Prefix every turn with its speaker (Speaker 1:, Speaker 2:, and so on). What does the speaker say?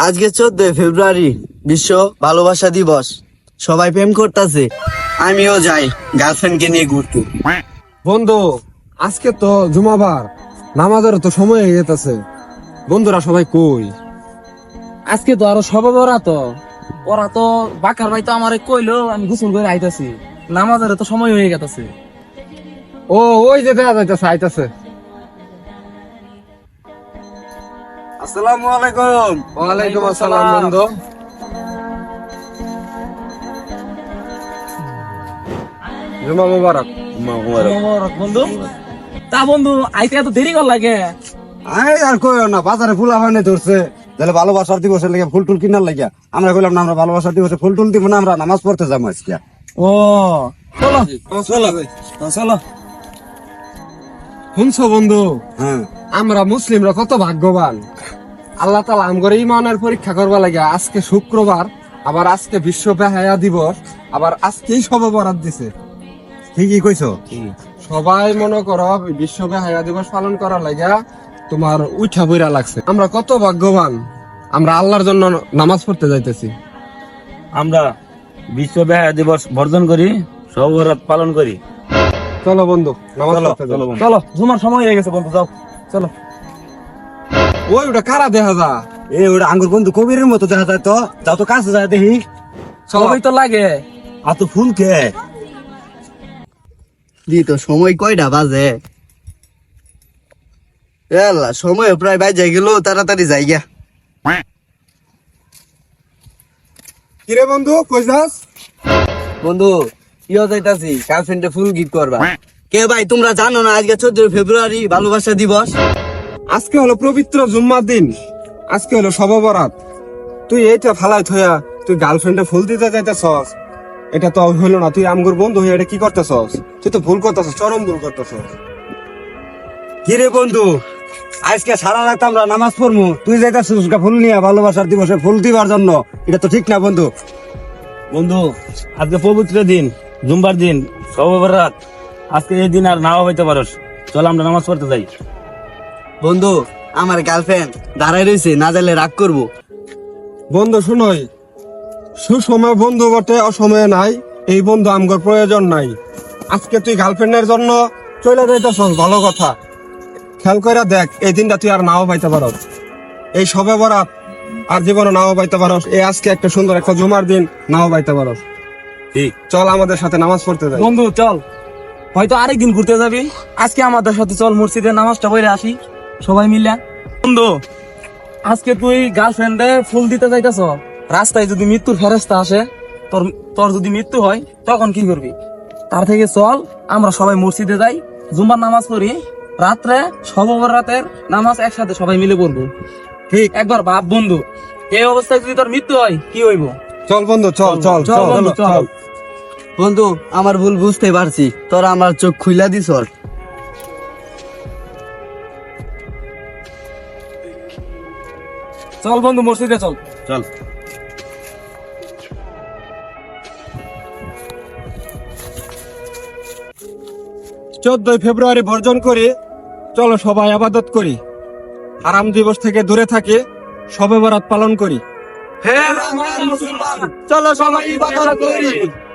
Speaker 1: আজকে 14 ফেব্রুয়ারি বিশ্ব ভালোবাসা দিবস। সবাই প্রেম করতেছে, আমিও যাই গার্লফ্রেন্ডকে নিয়ে ঘুরতে।
Speaker 2: বন্ধু, আজকে তো জুমাবার, নামাজের তো সময় হয়ে গেছে। বন্ধুরা সবাই কই?
Speaker 3: আজকে তো আরো সবে বড়া তো ওরা তো বাকার ভাই তো আমারে কইলো, আমি গোসল করে আইতাছি, নামাজের তো সময় হয়ে গেছে।
Speaker 2: ও ওই যে দেখা যাইতেছে, আইতাছে।
Speaker 1: আসসালামু আলাইকুম।
Speaker 2: ওয়ালাইকুম আসসালাম বন্ধু। জুমা মুবারক।
Speaker 3: বন্ধু, তা বন্ধু আইতে এত দেরি কর লাগে?
Speaker 2: আই আর কই না, বাজারে ফুল আবানে ধরছে, তাহলে ভালোবাসার দিবসের লাগে ফুল টুল কিনার লাগিয়া আমরা কইলাম না আমরা ভালোবাসার দিবসে ফুল টুল দিব না, আমরা নামাজ পড়তে যাবো আজকে।
Speaker 3: ও চলো চলো চলো।
Speaker 2: শুনছো বন্ধু,
Speaker 1: হ্যাঁ,
Speaker 2: আমরা মুসলিমরা কত ভাগ্যবান। আল্লাহ তাআলা আমগরে ইমানের পরীক্ষা করবা লাগে আজকে শুক্রবার, আবার আজকে বিশ্ব বেহায়া দিবস, আবার আজকেই শবে বরাত দিছে।
Speaker 1: ঠিকই কইছো।
Speaker 2: সবাই মনে করো বিশ্ব বেহায়া দিবস পালন করার লাগা তোমার উঠা বইরা লাগছে। আমরা কত ভাগ্যবান, আমরা আল্লাহর জন্য নামাজ পড়তে যাইতেছি।
Speaker 4: আমরা বিশ্ব বেহায়া দিবস বর্জন করি, সবরাত পালন করি।
Speaker 2: চলো বন্ধু, নামাজ পড়তে যাই।
Speaker 3: চলো, জুমার সময় হয়ে গেছে বন্ধু, যাও চলো।
Speaker 2: ওই ওটা কারা দেখা যা?
Speaker 1: এ ওটা আঙ্গুর বন্ধু কবিরের মতো দেখা যায় তো, যাও তো কাছে যায় দেখি।
Speaker 3: সবাই তো লাগে।
Speaker 1: আর তো ফুল কে দি তো সময় কয়টা বাজে? আল্লাহ, সময় প্রায় বাজে গেল, তাড়াতাড়ি যাই গা।
Speaker 2: কিরে বন্ধু, কই যাস?
Speaker 1: বন্ধু ইয়ে যাইতাছি গার্লফ্রেন্ডে ফুল গিফট করবা। কে ভাই তোমরা জানো না আজকে 14 ফেব্রুয়ারি ভালোবাসা দিবস?
Speaker 2: আজকে হলো পবিত্র জুম্মার দিন, আজকে হলো শবে বরাত। তুই এইটা ফালাই থয়া তুই গার্লফ্রেন্ডে ফুল দিতে যাইতেছস, এটা তো হইলো না। তুই আমগুর বন্ধু হয়ে এটা কি করতেছস? তুই তো ভুল করতেছস, চরম ভুল করতেছস।
Speaker 1: কিরে বন্ধু, আজকে সারা রাত আমরা নামাজ পড়বো, তুই যাইতাছিস ফুল নিয়ে ভালোবাসার দিবসে ফুল দিবার জন্য? এটা তো ঠিক না বন্ধু।
Speaker 4: বন্ধু, আজকে পবিত্র দিন, জুম্বার দিন, সবরাত। আজকে এই দিন আর নাও হইতে পারস, চল আমরা নামাজ পড়তে যাই।
Speaker 1: বন্ধু, আমার গার্লফ্রেন্ড দাঁড়াই রয়েছে, না যাইলে রাগ করবো।
Speaker 2: বন্ধু শুনোই, সুসময় বন্ধু বটে, অসময়ে নাই। এই বন্ধু আমগর প্রয়োজন নাই। আজকে তুই গার্লফ্রেন্ডের জন্য চলে যাইতেছস, ভালো কথা। খেয়াল করে দেখ, এই দিনটা তুই আর নাও পাইতে পারস, এই শবে বরাত আর জীবনে নাও পাইতে পারস। এই আজকে একটা সুন্দর একটা জুমার দিন, নাও পাইতে পারস।
Speaker 4: ঠিক।
Speaker 2: চল আমাদের সাথে নামাজ পড়তে যাই।
Speaker 3: বন্ধু চল, হয়তো আরেকদিন ঘুরতে যাবি, আজকে আমাদের সাথে চল মসজিদে নামাজটা পড়ে আসি সবাই মিলে। বন্ধু, আজকে তুই গার্লফ্রেন্ডে ফুল দিতে যাইতেছ, রাস্তায় যদি মৃত্যুর ফেরেস্তা আসে, তোর তোর যদি মৃত্যু হয় তখন কি করবি? তার থেকে চল আমরা সবাই মসজিদে যাই, জুম্মার নামাজ পড়ি, রাত্রে শবে বরাতের নামাজ একসাথে সবাই মিলে পড়বো।
Speaker 2: ঠিক।
Speaker 3: একবার ভাব বন্ধু, এই অবস্থায় যদি তোর মৃত্যু হয় কি হইব?
Speaker 2: চল বন্ধু, চল চল
Speaker 3: চল বন্ধু, চল।
Speaker 1: বন্ধু, আমার ভুল বুঝতে পারছি, তোরা আমার চোখ খুইলা দিস।
Speaker 3: চল বন্ধু, মসজিদে চল।
Speaker 4: চল।
Speaker 2: 14 ফেব্রুয়ারি বর্জন করে চলো সবাই আবাদত করি, হারাম দিবস থেকে দূরে থাকে, শবে বরাত পালন করি।
Speaker 3: চলো সবাই ইবাদত করি।